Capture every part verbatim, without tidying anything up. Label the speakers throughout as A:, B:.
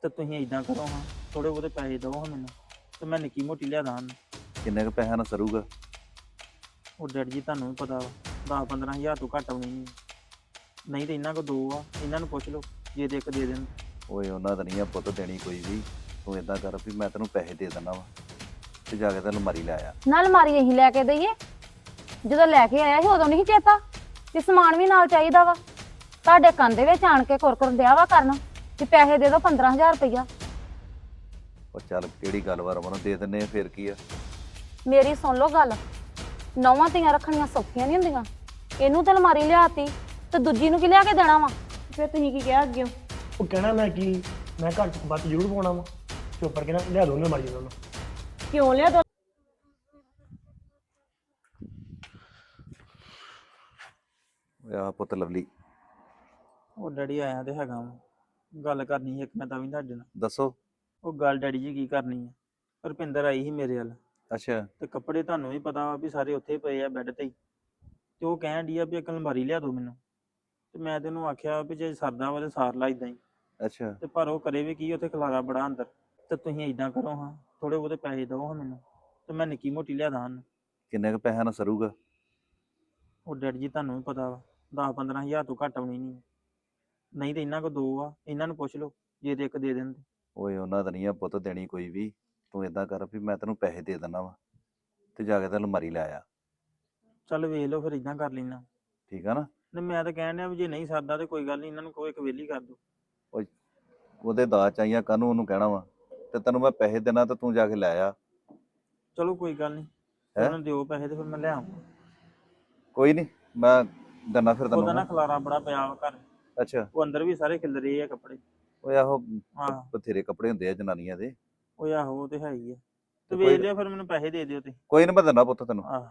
A: ਤੇ ਤੁਸੀਂ ਇਦਾਂ ਕਰੋ ਹਾਂ, ਥੋੜੇ ਬਹੁਤੇ ਪੈਸੇ ਦਿਓ ਹਾਂ ਮੈਨੂੰ, ਤੇ ਮੈਂ ਨਿੱਕੀ ਮੋਟੀ ਲਿਆ ਦਾਂ।
B: ਕਿੰਨੇ ਕੁ ਪੈਸਿਆਂ ਨਾਲ ਸਰੂਗਾ?
A: ਉਹ ਡੈਡੀ ਜੀ ਤੁਹਾਨੂੰ ਵੀ ਪਤਾ ਵਾ, ਦਸ ਪੰਦਰਾਂ ਹਜ਼ਾਰ ਤੋਂ ਘੱਟ ਆਉਣੀ ਨਹੀਂ। ਨਹੀਂ ਤੇ ਇਹਨਾਂ ਕੋ ਦੋ ਆ, ਇਹਨਾਂ ਨੂੰ ਪੁੱਛ ਲਓ ਜੇ ਦੇ ਇੱਕ ਦੇ ਦੇਣ।
B: ਓਏ ਉਹਨਾਂ ਤਾਂ ਨਹੀਂ ਆ ਪੁੱਤ ਦੇਣੀ ਕੋਈ ਵੀ। ਤੂੰ ਇਦਾਂ ਕਰ ਵੀ ਮੈਂ ਤੈਨੂੰ ਪੈਸੇ ਦੇ ਦਿੰਦਾ ਵਾ ਤੇ ਜਾ ਕੇ ਤੇ ਅਲਮਾਰੀ ਲੈ ਆ।
C: ਨਾਲ ਅਲਮਾਰੀ ਅਸੀਂ ਲੈ ਕੇ ਦਈਏ? ਜਦੋਂ ਲੈ ਕੇ ਆਇਆ ਸੀ ਉਦੋਂ ਨਹੀਂ ਚੇਤਾ ਕਿ ਸਮਾਨ ਵੀ ਨਾਲ ਚਾਹੀਦਾ ਵਾ। ਤੁਹਾਡੇ ਕੰਨ ਦੇ ਵਿੱਚ ਆਣ ਕੇ ਕੁਰਕੁਰ ਡਿਆ ਵਾ ਕਰਨ ਕਿ ਪੈਸੇ ਦੇ ਦਿਓ ਪੰਦਰਾਂ ਹਜ਼ਾਰ ਰੁਪਈਆ।
B: ਉਹ ਚੱਲ ਕਿਹੜੀ ਗੱਲ ਵਾ ਰਮਨ, ਦੇ ਦਿੰਨੇ ਆ ਫੇਰ ਕੀ ਆ।
C: ਮੇਰੀ ਸੁਣ ਲਓ ਗੱਲ, ਨੌਵਾਂ ਧੀਆਂ ਰੱਖਣੀਆਂ ਸੌਖੀਆਂ ਨਹੀਂ ਹੁੰਦੀਆਂ। ਇਹਨੂੰ ਤੇ ਅਲਮਾਰੀ ਲਿਆਤੀ ਤੇ ਦੂਜੀ ਨੂੰ ਕੀ ਲਿਆ ਕੇ ਦੇਣਾ ਵਾ? ਫਿਰ ਤੁਸੀਂ ਕੀ ਕਿਹਾ ਅੱਗੇ?
D: ਉਹ ਕਹਿਣਾ ਮੈਂ ਕੀ, ਮੈਂ ਘਰ ਚ ਬਾਤ ਜ਼ਰੂਰ ਪਾਉਣਾ ਵਾ। ਚੋਪਰ ਕਹਿਣਾ ਲਿਆ ਦੋ ਨਾ ਮਾਰੀ ਉਹਨਾਂ ਨੂੰ।
C: ਕਿਉਂ ਲਿਆ ਦੋ?
B: ਓਏ ਆ ਪੁੱਤ ਲਵਲੀ,
A: ਉਹ ਡੈਡੀ ਆਇਆ ਤੇ ਹੈਗਾ ਵਾ, ਗੱਲ ਕਰਨੀ ਸੀ ਇੱਕ ਮੈਂ ਤਾਂ ਵੀ ਤੁਹਾਡੇ ਨਾਲ।
B: ਦੱਸੋ।
A: ਉਹ ਗੱਲ ਡੈਡੀ ਜੀ ਕੀ ਕਰਨੀ ਆ, ਰੁਪਿੰਦਰ ਆਈ ਸੀ ਮੇਰੇ ਵੱਲ
B: ਅੱਛਾ।
A: ਤੇ ਕੱਪੜੇ ਤੁਹਾਨੂੰ ਵੀ ਪਤਾ ਵਾ ਵੀ ਸਾਰੇ ਉੱਥੇ ਪਏ ਆ ਬੈੱਡ ਤੇ ਹੀ। ਤੇ ਉਹ ਕਹਿਣ ਡਈ ਆ ਵੀ ਇੱਕ ਅਲਮਾਰੀ ਲਿਆ ਦੋ ਮੈਨੂੰ। ਤੇ ਮੈਂ ਤੇ ਉਹਨੂੰ ਆਖਿਆ ਵੀ ਜੇ ਸਰਦਾ ਵਾ ਤੇ ਸਾਰ ਲਾ ਏਦਾਂ ਹੀ।
B: ਅੱਛਾ।
A: ਤੇ ਪਰ ਉਹ ਕਰੇ ਵੀ ਕੀ, ਉੱਥੇ ਖਲਾਰਾ ਬੜਾ ਅੰਦਰ। ਤੇ ਤੁਸੀਂ ਏਦਾਂ ਕਰੋ ਹਾਂ, ਥੋੜੇ ਬਹੁਤੇ ਪੈਸੇ ਦਿਓ ਹਾਂ ਮੈਨੂੰ, ਤੇ ਮੈਂ ਨਿੱਕੀ ਮੋਟੀ ਲਿਆ ਦਾਂ।
B: ਕਿੰਨੇ ਕੁ ਪੈਸਿਆਂ ਨਾਲ ਸਰੂਗਾ?
A: ਉਹ ਡੈਡੀ ਜੀ ਤੁਹਾਨੂੰ ਵੀ ਪਤਾ ਵਾ, ਦਸ ਪੰਦਰਾਂ ਹਜ਼ਾਰ ਤੋਂ ਘੱਟ ਆਉਣੀ ਨਹੀਂ। ਨਹੀਂ ਤੇ ਇਹਨਾਂ ਕੋ ਦੋ ਆ, ਇਹਨਾਂ ਨੂੰ ਪੁੱਛ ਲਓ ਜੇ ਤੇ ਇੱਕ ਦੇ ਦੇਣ।
B: ਓਏ ਉਹਨਾਂ ਤਾਂ ਨਹੀਂ ਆ ਪੁੱਤ ਦੇਣੀ ਕੋਈ ਵੀ। ਤੂੰ ਇਦਾਂ ਕਰ ਵੀ ਮੈਂ ਤੈਨੂੰ ਪੈਸੇ ਦੇ ਦਿੰਦਾ ਵਾ ਤੇ ਜਾ ਕੇ ਤੇ ਅਲਮਾਰੀ ਲੈ ਆ।
A: ਚੱਲ ਵੇਖ ਲਓ ਫਿਰ, ਇਦਾਂ ਕਰ ਲੈਣਾ।
B: ਠੀਕ ਆ ਨਾ?
A: ਨਹੀਂ ਮੈਂ ਤਾਂ ਕਹਿਣ ਡਿਆ ਵੀ ਜੇ ਨਹੀਂ ਸਰਦਾ ਤੇ ਕੋਈ ਗੱਲ ਨਹੀਂ, ਇਹਨਾਂ ਨੂੰ ਕੋਈ ਇੱਕ ਵੇਲੀ ਕਰ ਦਿਓ।
B: ਓਏ ਉਹਦੇ ਦਾਜ ਚਾਹੀਆਂ ਕਾਹਨੂੰ ਉਹਨੂੰ ਕਹਿਣਾ ਵਾ, ਤੇ ਤੈਨੂੰ ਮੈਂ ਪੈਸੇ ਦੇਣਾ ਤੇ ਤੂੰ ਜਾ ਕੇ ਲੈ ਆ।
A: ਚਲੋ ਕੋਈ ਗੱਲ ਨਹੀਂ,
B: ਹੈਂ?
A: ਉਹਨਾਂ ਨੂੰ ਦਿਓ ਪੈਸੇ ਤੇ ਫਿਰ ਮੈਂ ਲੈ ਆਵਾਂ।
B: ਕੋਈ ਨਹੀਂ, ਮੈਂ ਦੰਨਾ ਫਿਰ
A: ਉਹਦਾ
B: ਤੈਨੂੰ।
A: ਨਾ ਖਲਾਰਾ ਬੜਾ ਪਿਆ ਵਾ ਘਰ,
B: ਅੱਛਾ।
A: ਉਹ ਅੰਦਰ ਵੀ ਸਾਰੇ ਖਿਲ ਰਹੇ ਆ ਕੱਪੜੇ।
B: ਓਏ ਆਹੋ
A: ਆਹ
B: ਬਥੇਰੇ ਕੱਪੜੇ ਹੁੰਦੇ ਆ ਜਨਾਨੀਆਂ ਦੇ।
A: ਉਹ ਆਹੋ ਉਹ ਤੇ ਹੈ ਹੀ ਆ। ਤੇ
B: ਤੇ
A: ਵੇਚ
B: ਕੋਈ-
A: ਲਿਓ ਫਿਰ, ਮੈਨੂੰ ਪੈਸੇ ਦੇ ਦਿਓ ਤੇ।
B: ਕੋਈ ਨਹੀਂ ਮੈਂ ਦਿੰਦਾ ਪੁੱਤ ਤੈਨੂੰ।
A: ਆਹ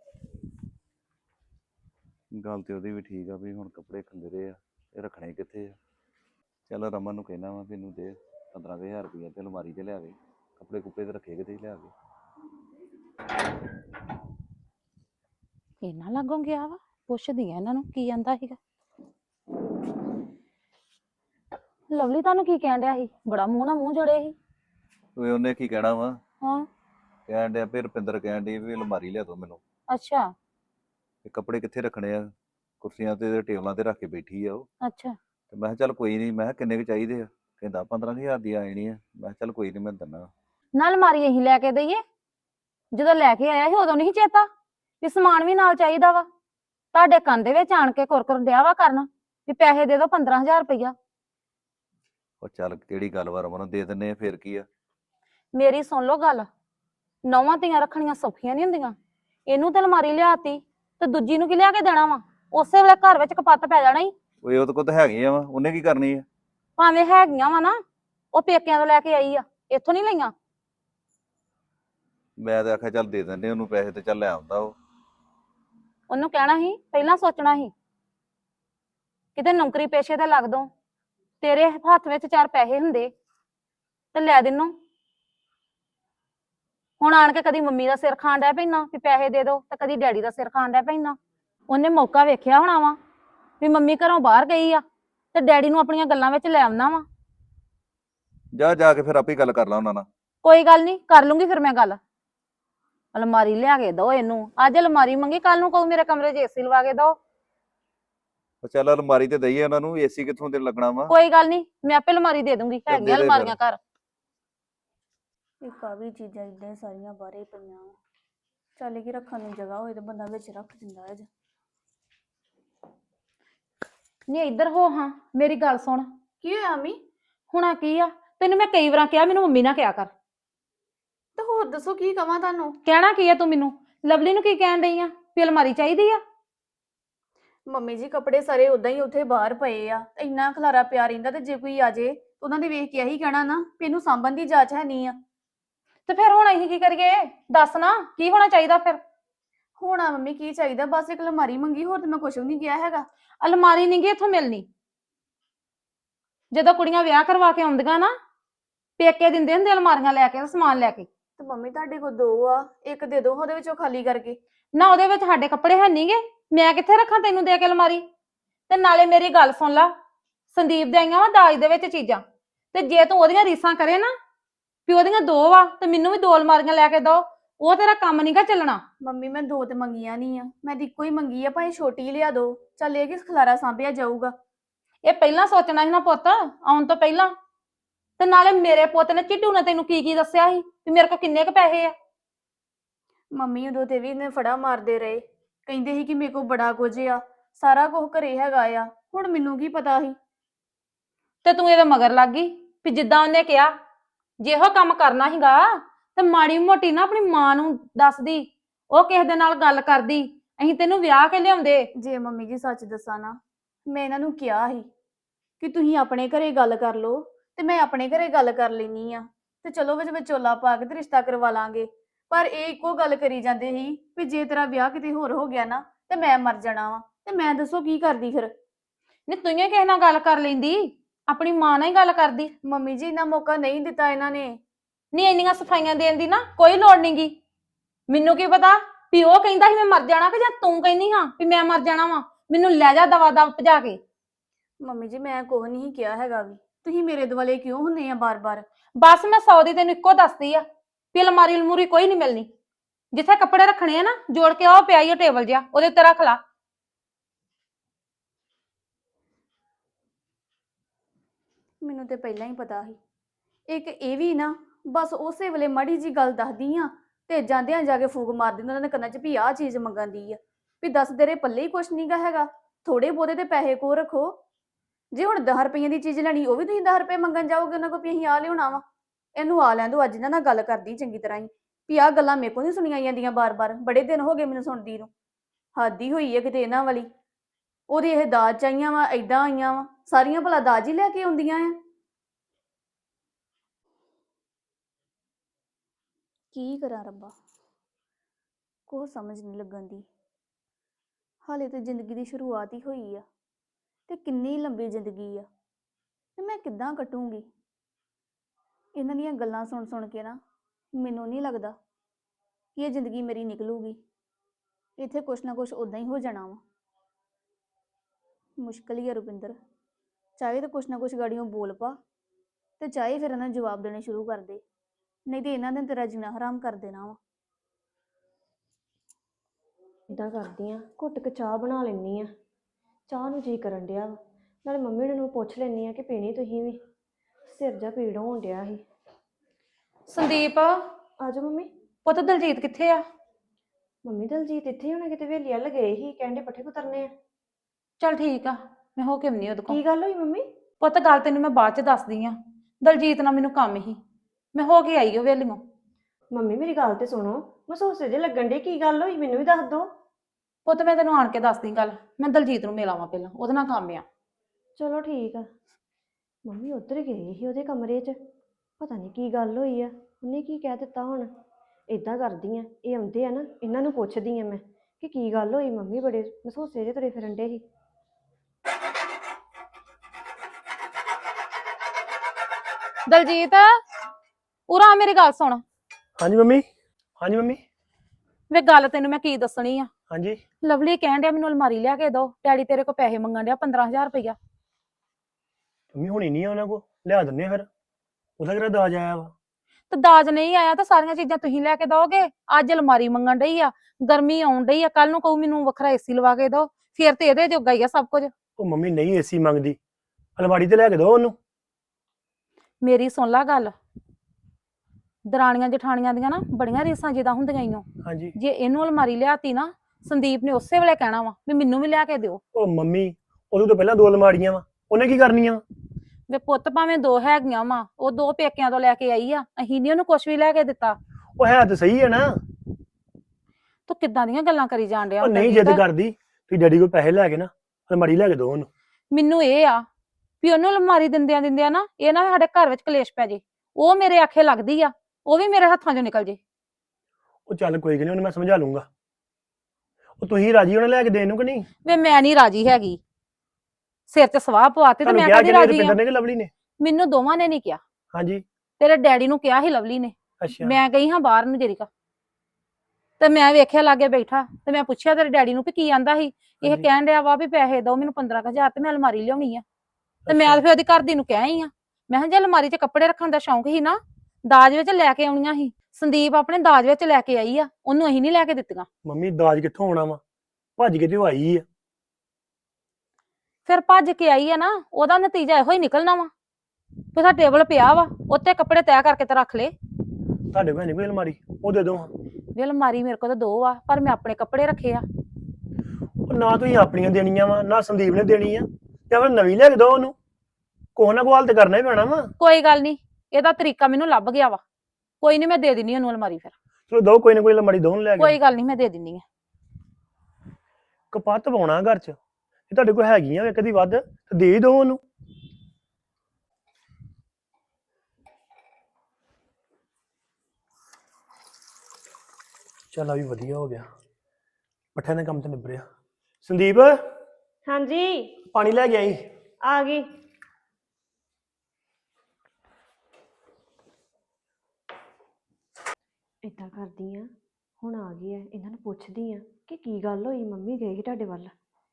B: ਗੱਲ ਤੇ ਉਹਦੀ ਵੀ ਠੀਕ ਆ ਵੀ ਹੁਣ ਕੱਪੜੇ ਖੰਦਰੇ ਆ, ਇਹ ਰੱਖਣੇ ਕਿੱਥੇ ਆ। ਚੱਲ ਰਮਨ ਨੂੰ ਕਹਿਣਾ ਵਾ ਵੀ ਇਹਨੂੰ ਦੇ ਪੰਦਰਾਂ ਕੁ ਹਜ਼ਾਰ ਰੁਪਈਆ ਤੇ ਅਲਮਾਰੀ 'ਚ ਲਿਆਵੇ। ਕੱਪੜੇ ਕੁੱਪੜੇ ਤੇ ਰੱਖੇ ਕਿਤੇ ਲਿਆਵੇ।
C: ਇਹਨਾਂ ਲੱਗੋਂ ਗਿਆ ਵਾ, ਪੁੱਛਦੀ ਆ ਇਹਨਾਂ ਨੂੰ ਕੀ ਆਂਦਾ ਸੀਗਾ। ਲਵਲੀ ਤੁਹਾਨੂੰ ਕੀ ਕਹਿਣ ਡਿਆ ਸੀ? ਬੜਾ ਮੂੰਹ ਨਾਲ ਮੂੰਹ ਜੋੜੇ ਸੀ।
B: ਓਏ ਉਹਨੇ ਕੀ ਕਹਿਣਾ ਵਾ,
C: ਹਾਂ।
B: ਕਹਿਣ ਡਿਆ ਵੀ ਰੁਪਿੰਦਰ ਕਹਿਣ ਡਈ ਵੀ ਅਲਮਾਰੀ ਲਿਆ ਦੋ ਮੈਨੂੰ।
C: ਅੱਛਾ
B: ਤੇ ਕੱਪੜੇ ਕਿੱਥੇ ਰੱਖਣੇ ਆ, ਕੁਰਸੀਆਂ ਤੇ ਟੇਬਲਾਂ ਤੇ ਰੱਖ ਕੇ ਬੈਠੀ ਆ ਉਹ।
C: ਅੱਛਾ।
B: ਤੇ ਮੈਂ ਕਿਹਾ ਚੱਲ ਕੋਈ ਨਹੀਂ, ਮੈਂ ਕਿਹਾ ਕਿੰਨੇ ਕੁ ਚਾਹੀਦੇ ਆ? ਕਹਿੰਦਾ ਪੰਦਰਾਂ ਕੁ ਹਜ਼ਾਰ ਦੀ ਆ ਜਾਣੀ ਆ। ਮੈਂ ਕਿਹਾ ਚੱਲ ਕੋਈ ਨਹੀਂ ਮੈਂ ਦਿੰਦਾ।
C: ਨਾਲ ਅਲਮਾਰੀ ਅਸੀਂ ਲੈ ਕੇ ਦਈਏ? ਜਦੋਂ ਲੈ ਕੇ ਆਇਆ ਸੀ ਉਦੋਂ ਨਹੀਂ ਚੇਤਾ ਵੀ ਸਮਾਨ ਵੀ ਨਾਲ ਚਾਹੀਦਾ ਵਾ? ਤੁਹਾਡੇ ਕੰਨ ਦੇ ਵਿੱਚ ਆਣ ਕੇ ਕੁਰਕੁਰ ਡਿਆ ਵਾ ਕਰਨ ਵੀ ਪੈਸੇ ਦੇ ਦਿਓ ਪੰਦਰਾਂ ਹਜ਼ਾਰ ਰੁਪਈਆ।
B: ਉਹ ਚੱਲ ਕਿਹੜੀ ਗੱਲ ਵਾ ਰਮਨ, ਦੇ ਦਿੰਨੇ ਆ ਫੇਰ ਕੀ ਆ।
C: ਮੇਰੀ ਸੁਣ ਲਓ ਗੱਲ, ਨੌਵਾਂ ਧੀਆਂ ਰੱਖਣੀਆਂ ਸੌਖੀਆਂ ਨਹੀਂ ਹੁੰਦੀਆਂ। ਇਹਨੂੰ ਤੇ ਅਲਮਾਰੀ ਲਿਆਤੀ ਤੇ ਦੂਜੀ ਨੂੰ ਕੀ ਲਿਆ ਕੇ ਦੇਣਾ ਵਾ? ਉਸੇ ਵੇਲੇ ਘਰ ਵਿੱਚ ਕਪੱਤ ਪੈ ਜਾਣਾ ਹੀ।
B: ਓਏ ਉਹਦੇ ਕੋਲ ਤਾਂ ਹੈਗੇ ਆ ਵਾ, ਉਹਨੇ ਕੀ ਕਰਨੀ ਆ?
C: ਭਾਵੇਂ ਹੈਗੀਆਂ ਵਾ ਨਾ, ਉਹ ਪੇਕਿਆਂ ਤੋਂ ਲੈ ਕੇ ਆਈ ਆ, ਇੱਥੋਂ ਨਹੀਂ ਲਈਆਂ।
B: ਮੈਂ ਤਾਂ ਆਖਿਆ ਚੱਲ ਦੇ ਦਿੰਦੇ ਉਹਨੂੰ ਪੈਸੇ ਤੇ ਚੱਲ ਲੈ ਆਉਂਦਾ ਉਹ।
C: ਉਹਨੂੰ ਕਹਿਣਾ ਸੀ, ਪਹਿਲਾਂ ਸੋਚਣਾ ਸੀ ਕਿਤੇ ਨੌਕਰੀ ਪੇਸ਼ੇ ਤੇ ਲੱਗ ਦੋ, ਤੇਰੇ ਹੱਥ ਵਿੱਚ ਚਾਰ ਪੈਸੇ ਹੁੰਦੇ ਤੇ ਲੈ ਦਿਨੋ। ਹੁਣ ਆਣ ਕੇ ਕਦੀ ਮੰਮੀ ਦਾ ਸਿਰ ਖਾਣ ਡਿਆ ਪੈਣਾ ਵੀ ਪੈਸੇ ਦੇ ਦੋ, ਤੇ ਕਦੀ ਡੈਡੀ ਦਾ ਸਿਰ ਖਾਣ ਡਿਆ ਪੈਣਾ। ਉਹਨੇ ਮੌਕਾ ਵੇਖਿਆ ਹੋਣਾ ਵਾ ਵੀ ਮੰਮੀ ਘਰੋਂ ਬਾਹਰ ਗਈ ਆ ਤੇ ਡੈਡੀ ਨੂੰ ਆਪਣੀਆਂ ਗੱਲਾਂ ਵਿੱਚ ਲੈ ਆਉਣਾ ਵਾ।
B: ਜਾ ਜਾ ਕੇ ਫਿਰ ਆਪੇ ਗੱਲ ਕਰ ਲਾ ਉਹਨਾਂ ਨਾਲ।
C: ਕੋਈ ਗੱਲ ਨਹੀਂ, ਕਰ ਲੂੰਗੀ ਫਿਰ ਮੈਂ ਗੱਲ। ਅਲਮਾਰੀ ਲਿਆ ਕੇ ਦੋ ਇਹਨੂੰ, ਅੱਜ ਅਲਮਾਰੀ ਮੰਗੀ, ਕੱਲ ਨੂੰ ਕਹੂ ਮੇਰੇ ਕਮਰੇ 'ਚ ਏਸੀ ਲਵਾ ਕੇ ਦੋ।
B: ਉਹ ਚੱਲ ਅਲਮਾਰੀ ਤੇ ਦਈਏ ਉਹਨਾਂ ਨੂੰ, ਏਸੀ ਕਿੱਥੋਂ ਤੇ ਲੱਗਣਾ ਵਾ।
C: ਕੋਈ ਗੱਲ ਨਹੀਂ, ਮੈਂ ਆਪੇ ਅਲਮਾਰੀ ਦੇ ਦੂੰਗੀ,
B: ਦੇ
C: ਹੈਗੀਆਂ
B: ਦੇ
C: ਅਲਮਾਰੀਆਂ ਘਰ।
E: ਇੱਕ ਆ ਵੀ ਚੀਜ਼ਾਂ ਇਦਾਂ ਸਾਰੀਆਂ ਬਾਹਰੇ ਪਈਆਂ ਵਾ। ਚੱਲ ਕਿ ਰੱਖਣ ਨੂੰ ਜਗ੍ਹਾ ਹੋਏ ਤਾਂ ਬੰਦਾ ਵਿੱਚ ਰੱਖ ਦਿੰਦਾ ਹੈ।
C: ਨਹੀਂ ਇੱਧਰ ਹੋ ਹਾਂ, ਮੇਰੀ ਗੱਲ ਸੁਣ।
E: ਕੀ ਹੋਇਆ ਮੰਮੀ?
C: ਹੁਣਾ ਕੀ ਆ, ਤੈਨੂੰ ਮੈਂ ਕਈ ਵਾਰਾਂ ਕਿਹਾ ਮੈਨੂੰ ਮੰਮੀ ਨਾ ਕਿਹਾ ਕਰ।
E: ਤਾਂ ਹੋਰ ਦੱਸੋ ਕੀ ਕਵਾਂ ਤੁਹਾਨੂੰ?
C: ਕਹਿਣਾ ਕੀ ਆ ਤੂੰ ਮੈਨੂੰ? ਲਵਲੀ ਨੂੰ ਕੀ ਕਹਿਣ ਡਈ ਆ ਵੀ ਅਲਮਾਰੀ ਚਾਹੀਦੀ ਆ?
E: ਮੰਮੀ ਜੀ ਕੱਪੜੇ ਸਾਰੇ ਉਦਾਂ ਹੀ ਉੱਥੇ ਬਾਹਰ ਪਏ ਆ, ਇੰਨਾ ਖਲਾਰਾ ਪਿਆ ਰਹਿੰਦਾ ਤੇ ਜੇ ਕੋਈ ਆ ਜੇ ਉਹਨਾਂ ਦੇ ਵੇਖ ਕੇ ਇਹੀ ਕਹਿਣਾ ਨਾ ਵੀ ਇਹਨੂੰ ਸਾਂਭਣ ਦੀ ਜਾਚ ਹੈ ਨਹੀਂ ਆ।
C: ਤੇ ਫਿਰ ਹੁਣ ਅਸੀਂ ਕੀ ਕਰੀਏ? ਦੱਸ ਨਾ ਕੀ ਹੋਣਾ ਚਾਹੀਦਾ ਫਿਰ?
E: ਹੋਣਾ ਮੰਮੀ ਕੀ ਚਾਹੀਦਾ, ਬਸ ਇੱਕ ਅਲਮਾਰੀ ਮੰਗੀ, ਹੋਰ ਤੇ ਮੈਂ ਕੁਛ ਵੀ ਨਹੀਂ ਕਿਹਾ ਹੈਗਾ।
C: ਅਲਮਾਰੀ ਨਹੀਂ ਗੀ ਇੱਥੋਂ ਮਿਲਣੀ। ਜਦੋਂ ਕੁੜੀਆਂ ਵਿਆਹ ਕਰਵਾ ਕੇ ਆਉਂਦੀਆਂ ਨਾ, ਪੇਕੇ ਦਿੰਦੇ ਹੁੰਦੇ ਅਲਮਾਰੀਆਂ ਲੈ ਕੇ, ਸਮਾਨ ਲੈ ਕੇ।
E: ਤੇ ਮੰਮੀ ਤੁਹਾਡੇ ਕੋਲ ਦੋ ਆ, ਇੱਕ ਦੇ ਦੋ ਉਹਦੇ ਵਿੱਚੋਂ ਖਾਲੀ ਕਰਕੇ।
C: ਨਾ ਉਹਦੇ ਵਿੱਚ ਸਾਡੇ ਕੱਪੜੇ ਹੈ ਨਹੀਂਗੇ, ਮੈਂ ਕਿੱਥੇ ਰੱਖਾਂ ਤੈਨੂੰ ਦੇ ਕੇ ਅਲਮਾਰੀ? ਤੇ ਨਾਲੇ ਮੇਰੀ ਗੱਲ ਸੁਣ ਲਾ, ਸੰਦੀਪ ਦੇ ਆਈਆਂ ਵਾ ਦਾਜ ਦੇ ਵਿੱਚ ਚੀਜ਼ਾਂ, ਤੇ ਜੇ ਤੂੰ ਉਹਦੀਆਂ ਰੀਸਾਂ ਕਰੇ ਨਾ ਵੀ ਉਹਦੀਆਂ ਦੋ ਵਾ ਤੇ ਮੈਨੂੰ ਵੀ ਦੋ ਅਲਮਾਰੀਆਂ ਲੈ ਕੇ ਦੋ, ਉਹ ਤੇਰਾ ਕੰਮ ਨਹੀਂਗਾ ਚੱਲਣਾ।
E: ਮੰਮੀ ਮੈਂ ਦੋ ਤੇ ਮੰਗੀਆਂ ਨਹੀਂ ਆ, ਮੈਂ ਤਾਂ ਇੱਕੋ ਹੀ ਮੰਗੀ ਆ, ਭਾਵੇਂ ਛੋਟੀ ਲਿਆ ਦੋ, ਚੱਲ ਇਹ ਕਿ ਖਲਾਰਾ ਸਾਂਭਿਆ ਜਾਊਗਾ।
C: ਇਹ ਪਹਿਲਾਂ ਸੋਚਣਾ ਸੀ ਨਾ ਪੁੱਤ, ਆਉਣ ਤੋਂ ਪਹਿਲਾਂ। ਤੇ ਨਾਲੇ ਮੇਰੇ ਪੁੱਤ ਨੇ ਚਿੱਟੂ ਨੇ ਤੈਨੂੰ ਕੀ ਕੀ ਦੱਸਿਆ ਸੀ ਵੀ ਮੇਰੇ ਕੋਲ ਕਿੰਨੇ ਕ ਪੈਸੇ ਆ।
E: ਮੰਮੀ ਉਦੋਂ ਤੇ ਵੀ ਇਹਨੇ ਫੜਾ ਮਾਰਦੇ ਰਹੇ, ਕਹਿੰਦੇ ਸੀ ਕਿ ਮੇਰੇ ਕੋਲ ਬੜਾ ਕੁਝ ਆ, ਸਾਰਾ ਕੁਝ ਘਰੇ ਹੈਗਾ ਆ। ਹੁਣ ਮੈਨੂੰ ਕੀ ਪਤਾ ਸੀ।
C: ਤੇ ਤੂੰ ਇਹਦੇ ਮਗਰ ਲੱਗ ਗਈ ਵੀ ਜਿੱਦਾਂ ਉਹਨੇ ਕਿਹਾ। ਜੇ ਉਹ ਕੰਮ ਕਰਨਾ ਸੀਗਾ ਤੇ ਮਾੜੀ ਮੋਟੀ ਨਾ ਆਪਣੀ ਮਾਂ ਨੂੰ ਦੱਸਦੀ, ਉਹ ਕਿਸੇ ਦੇ ਨਾਲ ਗੱਲ ਕਰਦੀ, ਅਸੀਂ ਤੈਨੂੰ ਵਿਆਹ ਕੇ ਲਿਆਉਂਦੇ।
E: ਜੇ ਮੰਮੀ ਜੀ ਸੱਚ ਦੱਸਾਂ ਨਾ, ਮੈਂ ਇਹਨਾਂ ਨੂੰ ਕਿਹਾ ਸੀ ਕਿ ਤੁਸੀਂ ਆਪਣੇ ਘਰੇ ਗੱਲ ਕਰ ਲਓ ਤੇ ਮੈਂ ਆਪਣੇ ਘਰੇ ਗੱਲ ਕਰ ਲੈਣੀ ਆ, ਤੇ ਚਲੋ ਵਿੱਚ ਵਿਚੋਲਾ ਪਾ ਕੇ ਤੇ ਰਿਸ਼ਤਾ ਕਰਵਾ ਲਾਂਗੇ। ਪਰ ਇਹ ਇੱਕੋ ਗੱਲ ਕਰੀ ਜਾਂਦੇ ਸੀ ਵੀ ਜੇ ਤੇਰਾ ਵਿਆਹ ਕਿਤੇ ਹੋਰ ਹੋ ਗਿਆ ਨਾ ਤੇ ਮੈਂ ਮਰ ਜਾਣਾ ਵਾ, ਤੇ ਮੈਂ ਦੱਸੋ ਕੀ ਕਰਦੀ ਫਿਰ।
C: ਨਹੀਂ ਤੂੰ ਹੀ ਕਿਸੇ ਨਾਲ ਗੱਲ ਕਰ ਲੈਂਦੀ, ਆਪਣੀ ਮਾਂ ਨਾਲ ਹੀ ਗੱਲ ਕਰਦੀ।
E: ਮੰਮੀ ਜੀ ਇੰਨਾ ਮੌਕਾ ਨਹੀਂ ਦਿੱਤਾ ਇਹਨਾਂ ਨੇ।
C: ਨਹੀਂ ਇੰਨੀਆਂ ਸਫਾਈਆਂ ਦੇਣ ਦੀ ਨਾ ਕੋਈ ਲੋੜ ਨਹੀਂਗੀ। ਮੈਨੂੰ ਕੀ ਪਤਾ ਵੀ ਉਹ ਕਹਿੰਦਾ ਸੀ ਮੈਂ ਮਰ ਜਾਣਾ ਕਿ ਜਾਂ ਤੂੰ ਕਹਿੰਦੀ ਹਾਂ ਵੀ ਮੈਂ ਮਰ ਜਾਣਾ ਵਾ। ਮੈਨੂੰ ਲੈ ਜਾ ਦਵਾ ਦਵ ਭਜਾ ਕੇ।
E: ਮੰਮੀ ਜੀ ਮੈਂ ਕੁਛ ਨਹੀਂ ਕਿਹਾ ਹੈਗਾ ਵੀ, ਤੁਸੀਂ ਮੇਰੇ ਦੁਆਲੇ ਕਿਉਂ ਹੁੰਨੇ ਆ ਬਾਰ-ਬਾਰ।
C: ਬਸ ਮੈਂ ਸੌ ਦੀ ਤੈਨੂੰ ਇੱਕੋ ਦੱਸਦੀ ਆ ਵੀ ਅਲਮਾਰੀ ਅਲਮੂਰੀ ਕੋਈ ਨਹੀਂ ਮਿਲਣੀ। ਜਿੱਥੇ ਕੱਪੜੇ ਰੱਖਣੇ ਆ ਨਾ ਜੋੜ ਕੇ ਉਹ ਪਿਆ ਈ ਟੇਬਲ ਜਿਹਾ, ਉਹਦੇ ਉੱਤੇ ਰੱਖ ਲਾ।
E: ਮੈਨੂੰ ਤੇ ਪਹਿਲਾਂ ਹੀ ਪਤਾ ਸੀ। ਇੱਕ ਇਹ ਵੀ ਨਾ ਬਸ ਉਸੇ ਵੇਲੇ ਮਾੜੀ ਜੀ ਗੱਲ ਦੱਸਦੀ ਆ ਤੇ ਜਾਂਦਿਆਂ ਜਾ ਕੇ ਫੂਕ ਮਾਰ ਦਿੰਦੇ ਉਹਨਾਂ ਨੇ ਕੰਨਾਂ 'ਚ ਵੀ ਆਹ ਚੀਜ਼ ਮੰਗਣ ਦੀ ਆ, ਵੀ ਦੱਸ ਤੇਰੇ ਪੱਲੇ ਹੀ ਕੁਛ ਨਹੀਂਗਾ ਹੈਗਾ, ਥੋੜੇ ਬਹੁਤੇ ਤੇ ਪੈਸੇ ਕੋ ਰੱਖੋ। ਜੇ ਹੁਣ ਦਸ ਰੁਪਈਆਂ ਦੀ ਚੀਜ਼ ਲੈਣੀ ਉਹ ਵੀ ਤੁਸੀਂ ਦਸ ਰੁਪਏ ਮੰਗਣ ਜਾਓਗੇ ਉਹਨਾਂ ਕੋਲ ਵੀ ਅਸੀਂ ਆ ਲਿਆਉਣਾ ਵਾ। ਇਹਨੂੰ ਆ ਲੈਣ ਦਿਓ, ਅੱਜ ਇਹਨਾਂ ਨਾਲ ਗੱਲ ਕਰਦੀ ਚੰਗੀ ਤਰ੍ਹਾਂ ਹੀ ਵੀ ਆਹ ਗੱਲਾਂ ਮੇਰੇ ਕੋਲ ਨਹੀਂ ਸੁਣੀਆਂ ਜਾਂਦੀਆਂ ਬਾਰ-ਬਾਰ, ਬੜੇ ਦਿਨ ਹੋ ਗਏ ਮੈਨੂੰ ਸੁਣਦੀ ਨੂੰ। ਹੱਦ ਹੀ ਹੋਈ ਹੈ ਕਿਤੇ ਇਹਨਾਂ ਵਾਲੀ। ਉਹਦੀ ਇਹ ਦਾਜ ਚਾਹੀਆਂ ਵਾ, ਏਦਾਂ ਆਈਆਂ ਵਾ, ਸਾਰੀਆਂ ਭਲਾ ਦਾਜ ਹੀ ਲੈ ਕੇ ਆਉਂਦੀਆਂ ਆ। ਕੀ ਕਰਾਂ ਰੱਬਾ, ਕੁਛ ਸਮਝ ਨਹੀਂ ਲੱਗਣ ਦੀ। ਹਾਲੇ ਤੇ ਜ਼ਿੰਦਗੀ ਦੀ ਸ਼ੁਰੂਆਤ ਹੀ ਹੋਈ ਆ ਤੇ ਕਿੰਨੀ ਲੰਬੀ ਜ਼ਿੰਦਗੀ ਆ, ਤੇ ਮੈਂ ਕਿੱਦਾਂ ਕੱਟੂੰਗੀ। ਇਹਨਾਂ ਦੀਆਂ ਗੱਲਾਂ ਸੁਣ ਸੁਣ ਕੇ ਨਾ ਮੈਨੂੰ ਨਹੀਂ ਲੱਗਦਾ ਕਿ ਇਹ ਜ਼ਿੰਦਗੀ ਮੇਰੀ ਨਿਕਲੂਗੀ। ਇੱਥੇ ਕੁਛ ਨਾ ਕੁਛ ਉਦਾਂ ਹੀ ਹੋ ਜਾਣਾ ਵਾ। ਮੁਸ਼ਕਿਲ ਹੀ ਆ ਰੁਪਿੰਦਰ, ਚਾਹੇ ਤਾਂ ਕੁਛ ਨਾ ਕੁਛ ਗਾੜੀਆਂ ਬੋਲ ਪਾ ਤੇ ਚਾਹੇ ਫਿਰ ਇਹਨਾਂ ਜਵਾਬ ਦੇਣੇ ਸ਼ੁਰੂ ਕਰ ਦੇ, ਨਹੀਂ ਤੇ ਇਹਨਾਂ ਨੇ ਤੇਰਾ ਜੀਣਾ ਹਰਾਮ ਕਰ ਦੇਣਾ ਵਾ।
F: ਇਦਾਂ ਕਰਦੀ ਆ, ਘੁੱਟ ਕੇ ਚਾਹ ਬਣਾ ਲੈਣੀ ਆ। ਚਾਹ ਨੂੰ ਜੀ ਕਰਨ ਡਿਆ ਵਾ, ਨਾਲੇ ਮੰਮੀ ਨੂੰ ਪੁੱਛ ਲੈਣੀ ਆ ਕਿ ਪੀਣੀ ਤੁਸੀਂ ਵੀ। ਸਿਰ ਜਾ ਪੀੜ ਹੋਣ ਡਿਆ ਸੀ।
C: ਸੰਦੀਪ
F: ਆ ਜਾਓ ਮੰਮੀ।
C: ਪੁੱਤ ਦਲਜੀਤ ਕਿੱਥੇ ਆ?
F: ਮੰਮੀ ਦਲਜੀਤ ਇੱਥੇ ਹੋਣਾ, ਕਿਤੇ ਵੇਲੀ ਵੱਲ ਗਏ ਸੀ, ਕਹਿੰਦੇ ਪੱਠੇ ਕੁਤਰਨੇ ਆ।
C: ਚਲ ਠੀਕ ਆ, ਮੈਂ ਹੋ ਕੇ ਆਉਂਦੀ ਉਹਦੇ ਕੋਲ।
F: ਕੀ ਗੱਲ ਹੋਈ ਮੰਮੀ?
C: ਪੁੱਤ ਗੱਲ ਤੈਨੂੰ ਮੈਂ ਬਾਅਦ ਚ ਦੱਸਦੀ ਆ। ਦਲਜੀਤ ਨਾਲ ਮੈਨੂੰ ਕੰਮ ਹੀ, ਮੈਂ ਹੋ ਕੇ ਆਈ ਉਹ ਵੇਲੀਓ।
F: ਮੰਮੀ ਮੇਰੀ ਗੱਲ ਤੇ ਸੁਣੋ, ਮਸੂਸੇ ਜੇ ਲੱਗਣ ਡੇ, ਕੀ ਗੱਲ ਹੋਈ ਮੈਨੂੰ ਵੀ ਦੱਸ ਦੋ।
C: ਪੁੱਤ ਮੈਂ ਤੈਨੂੰ ਆਣ ਕੇ ਦੱਸਦੀ ਗੱਲ, ਮੈਂ ਦਲਜੀਤ ਨੂੰ ਮਿਲ ਆਵਾਂ ਪਹਿਲਾਂ, ਉਹਦੇ ਨਾਲ ਕੰਮ ਆ।
F: ਚਲੋ ਠੀਕ ਆ। ਮੰਮੀ ਉੱਧਰ ਗਏ ਸੀ ਉਹਦੇ ਕਮਰੇ 'ਚ, ਪਤਾ ਨਹੀਂ ਕੀ ਗੱਲ ਹੋਈ ਆ, ਉਹਨੇ ਕੀ ਕਹਿ ਦਿੱਤਾ ਹੁਣ। ਇਦਾਂ ਕਰਦੀ ਆ, ਇਹ ਆਉਂਦੇ ਆ ਨਾ, ਇਹਨਾਂ ਨੂੰ ਪੁੱਛਦੀ ਆ ਮੈਂ ਕਿ ਕੀ ਗੱਲ ਹੋਈ। ਮੰਮੀ ਬੜੇ ਮਸੂਸੇ ਜੇ ਤੁਰੇ ਫਿਰਨ ਡੇ ਸੀ।
C: ਦਲਜੀਤ ਉਰਾ ਮੇਰੀ ਗੱਲ ਸੁਣ।
D: ਹਾਂਜੀ ਮੰਮੀ। ਹਾਂਜੀ ਮੰਮੀ।
C: ਵੇ ਗੱਲ ਤੈਨੂੰ ਮੈਂ ਕੀ ਦੱਸਣੀ ਆ।
D: ਹਾਂਜੀ
C: ਲਵਲੀ ਕਹਿਣ ਡਿਆ ਮੈਨੂੰ ਅਲਮਾਰੀ ਲਿਆ ਕੇ ਦੋ, ਡੈਡੀ ਤੇਰੇ ਕੋਲ ਪੈਸੇ ਮੰਗਣ ਡਿਆ ਪੰਦਰਾਂ ਹਜ਼ਾਰ ਰੁਪਈਆ।
D: ਮੰਮੀ ਹੁਣੀ ਨਹੀਂ ਆ ਉਹਨਾਂ ਕੋ, ਲਿਆ ਦਿੰਦੇ ਆ ਫਿਰ। ਉਹਦਾ ਕਿਹੜਾ ਦਾਜ ਆਇਆ ਵਾ।
C: ਤੇ ਦਾਜ ਨਹੀਂ ਆਇਆ ਤਾਂ ਸਾਰੀਆਂ ਚੀਜ਼ਾਂ ਤੁਸੀਂ ਲੈ ਕੇ ਦੋਗੇ। ਅੱਜ ਅਲਮਾਰੀ ਮੰਗਣ ਡਈ ਆ, ਗਰਮੀ ਆਉਣ ਡਈ ਆ, ਕੱਲ ਨੂੰ ਕਹੂ ਮੈਨੂੰ ਵੱਖਰਾ ਏਸੀ ਲਵਾ ਕੇ ਦੋ, ਫਿਰ ਤੇ ਇਹਦੇ ਜੋਗਾ ਹੀ ਆ ਸਭ ਕੁਝ।
D: ਉਹ ਮੰਮੀ ਨਹੀਂ ਏਸੀ ਮੰਗਦੀ, ਅਲਮਾਰੀ ਤੇ ਲੈ ਕੇ ਦੋ ਉਹਨੂੰ।
C: ਮੇਰੀ ਸੁਣ ਲਾ ਗੱਲ, ਦਰਾਣੀਆਂ ਜਠਾਣੀਆਂ ਦੀਆਂ ਨਾ ਬੜੀਆਂ ਰੀਸਾਂ ਜਿੱਦਾਂ ਹੁੰਦੀਆਂ ਈ ਓ।
D: ਹਾਂਜੀ
C: ਜੇ ਇਹਨੂੰ ਅਲਮਾਰੀ ਲਿਆਤੀ ਨਾ, ਸੰਦੀਪ ਨੇ ਉਸੇ ਵੇਲੇ ਕਹਿਣਾ ਵਾ ਵੀ ਮੈਨੂੰ ਵੀ ਲਿਆ ਕੇ ਦਿਓ।
D: ਉਹ ਮੰਮੀ ਉਦੋਂ ਤੋਂ ਪਹਿਲਾਂ ਦੋ ਅਲਮਾਰੀਆਂ ਵਾ, ਉਹਨੇ ਕੀ ਕਰਨੀਆਂ।
C: ਵੇ ਪੁੱਤ ਭਾਵੇਂ ਦੋ ਹੈਗੀਆਂ ਵਾ, ਉਹ ਦੋ ਪੇਕਿਆਂ ਤੋਂ ਲੈ ਕੇ ਆਈ ਆ, ਅਸੀਂ ਨੀ ਉਹਨੂੰ ਕੁਛ ਵੀ ਲੈ ਕੇ ਦਿੱਤਾ।
D: ਉਹ ਹੈ ਤਾਂ ਸਹੀ ਹੈ ਨਾ।
C: ਤੂੰ ਕਿੱਦਾਂ ਦੀਆਂ ਗੱਲਾਂ ਕਰੀ ਜਾਣ ਡਿਆ
D: ਉਹ ਨਹੀਂ
C: ਦਲਜੀਤ?
D: ਜਿੱਦ ਕਰਦੀ, ਤੁਸੀਂ ਡੈਡੀ ਕੋਲ ਪੈਸੇ ਲੈ ਕੇ ਨਾ ਅਲਮਾਰੀ ਲੈ ਕੇ ਦੋ ਉਹਨੂੰ।
C: ਮੈਨੂੰ ਇਹ ਆ ਵੀ ਉਹਨੂੰ ਅਲਮਾਰੀ ਦਿੰਦਿਆਂ ਦਿੰਦਿਆਂ ਨਾ ਇਹ ਨਾ ਸਾਡੇ ਘਰ ਵਿੱਚ ਕਲੇਸ਼ ਪੈ ਜੇ। ਉਹ ਮੇਰੇ ਆਖੇ ਲੱਗਦੀ ਆ, ਉਹ ਵੀ ਮੇਰੇ ਹੱਥਾਂ ਚੋਂ ਨਿਕਲ ਜੇ।
D: ਉਹ ਚੱਲ ਕੋਈ ਗੱਲ ਨਹੀਂ, ਉਹਨੂੰ ਮੈਂ ਸਮਝਾ ਲੂੰਗਾ। ਉਹ ਤੁਸੀਂ ਰਾਜੀ ਹੋਣਾ ਲੈ ਕੇ ਦੇਣ ਨੂੰ ਕਿ ਨਹੀਂ?
C: ਵੇ ਮੈਂ ਨਹੀਂ ਰਾਜੀ ਹੈਗੀ, ਸਿਰ ਤੇ ਸਵਾਹ ਪਵਾਤੇ ਤੇ
D: ਤੁਹਾਨੂੰ
C: ਮੈਂ
D: ਕਿਹਾ
C: ਕਦੀ
D: ਕਿ
C: ਰਾਜੀ ਆ?
D: ਰੁਪਿੰਦਰ ਨੇ ਕਿ ਲਵਲੀ ਨੇ?
C: ਮੈਨੂੰ ਦੋਵਾਂ ਨੇ ਨਹੀਂ ਕਿਹਾ,
D: ਹਾਂਜੀ
C: ਤੇਰੇ ਡੈਡੀ ਨੂੰ ਕਿਹਾ ਸੀ ਲਵਲੀ ਨੇ।
D: ਅੱਛਾ
C: ਮੈਂ ਗਈ ਹਾਂ ਬਾਹਰ ਨੂੰ ਜਰੀਕਾ, ਤੇ ਮੈਂ ਵੇਖਿਆ ਲਾਗੇ ਬੈਠਾ, ਤੇ ਮੈਂ ਪੁੱਛਿਆ ਤੇਰੇ ਡੈਡੀ ਨੂੰ ਵੀ ਕੀ ਆਂਦਾ ਸੀ। ਇਹ
D: ਹਾਂਜੀ।
C: ਕਹਿਣ ਡਿਆ ਵਾ ਵੀ ਪੈਸੇ ਦੋ ਮੈਨੂੰ ਪੰਦਰਾਂ ਕੁ ਹਜ਼ਾਰ ਤੇ ਮੈਂ ਅਲਮਾਰੀ ਲਿਆਉਣੀ ਆ। ਤੇ ਮੈਂ
D: ਅੱਛਾ।
C: ਫਿਰ ਉਹਦੀ ਘਰ ਦੀ ਨੂੰ ਕਹਿ ਆਈ ਆ ਮੈਂ ਕਿਹਾ ਜੇ ਅਲਮਾਰੀ 'ਚ ਕੱਪੜੇ ਰੱਖਣ ਦਾ ਸ਼ੌਂਕ ਸੀ ਨਾ, ਦਾਜ ਵਿੱਚ ਲੈ ਕੇ ਆਉਣੀਆਂ ਸੀ। ਸੰਦੀਪ ਆਪਣੇ ਦਾਜ ਵਿੱਚ ਲੈ ਕੇ ਆਈ ਆ, ਉਹਨੂੰ ਅਸੀਂ ਨਹੀਂ ਲੈ ਕੇ ਦਿੱਤੀਆਂ।
D: ਮੰਮੀ ਦਾਜ ਕਿੱਥੋਂ ਆਉਣਾ ਵਾ? ਭੱਜ ਕੇ ਤੇ ਉਹ ਆਈ ਆ।
C: ਫਿਰ ਭੱਜ ਕੇ ਆਈ ਆ ਨਾ, ਉਹਦਾ ਨਤੀਜਾ ਇਹੋ ਹੀ ਨਿਕਲਣਾ ਵਾ। ਫਿਰ ਸਾਡਾ ਟੇਬਲ ਪਿਆ ਵਾ, ਉੱਤੇ ਕੱਪੜੇ ਤੈਅ ਕਰਕੇ ਤੇ ਰੱਖ ਲਏ।
D: ਤੁਹਾਡੇ ਕੋਲ ਨਹੀਂ ਕੋਈ ਅਲਮਾਰੀ? ਉਹ ਦੇ ਦੋ ਹਾਂ।
C: ਵੀ ਅਲਮਾਰੀ ਮੇਰੇ ਕੋਲ ਤਾਂ ਦੋ ਆ, ਪਰ ਮੈਂ ਆਪਣੇ ਕੱਪੜੇ ਰੱਖੇ ਆ।
D: ਉਹ ਨਾ ਤੁਸੀਂ ਆਪਣੀਆਂ ਦੇਣੀਆਂ ਵਾ, ਨਾ ਸੰਦੀਪ ਨੇ ਦੇਣੀ ਆ, ਜਾਂ ਫਿਰ ਨਵੀਂ ਲਿਆ ਕੇ ਦੋ ਉਹਨੂੰ। ਕੋਹ ਨਾ ਕੋਹ ਹੱਲ ਤੇ ਕਰਨਾ ਹੀ ਪੈਣਾ ਵਾ।
C: ਕੋਈ ਗੱਲ ਨਹੀਂ, ਇਹਦਾ ਤਰੀਕਾ ਮੈਨੂੰ ਲੱਭ ਗਿਆ ਵਾ। ਕੋਈ ਨਹੀਂ, ਮੈਂ ਦੇ ਦਿੰਨੀ ਉਹਨੂੰ ਅਲਮਾਰੀ। ਫਿਰ
D: ਚਲੋ ਦੋ, ਕੋਈ ਨਾ ਕੋਈ ਅਲਮਾਰੀ ਦੋ ਨੂੰ ਲੈ ਕੇ।
C: ਕੋਈ ਗੱਲ ਨਹੀਂ, ਮੈਂ ਦੇ ਦਿੰਨੀ ਆ।
D: ਕਪੱਤ ਪਾਉਣਾ ਘਰ 'ਚ, ਜੇ ਤੁਹਾਡੇ ਕੋਲ ਹੈਗੀਆਂ ਇੱਕ ਦੀ ਵੱਧ ਤੇ ਦੇ ਹੀ ਦੋ ਉਹਨੂੰ। ਚੱਲ ਆ ਵੀ ਵਧੀਆ ਹੋ ਗਿਆ, ਪੱਠਿਆਂ ਦਾ ਕੰਮ ਤੇ ਨਿਬੜਿਆ। ਸੰਦੀਪ
F: ਹਾਂਜੀ
D: ਪਾਣੀ ਲੈ ਕੇ ਆਈ।
F: ਆ ਗਈ। ਏਦਾਂ ਕਰਦੀ ਆ, ਹੁਣ ਆ ਗਈ ਆ, ਇਹਨਾਂ ਨੂੰ ਪੁੱਛਦੀ ਆ ਕਿ ਕੀ ਗੱਲ ਹੋਈ, ਮੰਮੀ ਗਏ ਸੀ ਤੁਹਾਡੇ ਵੱਲ।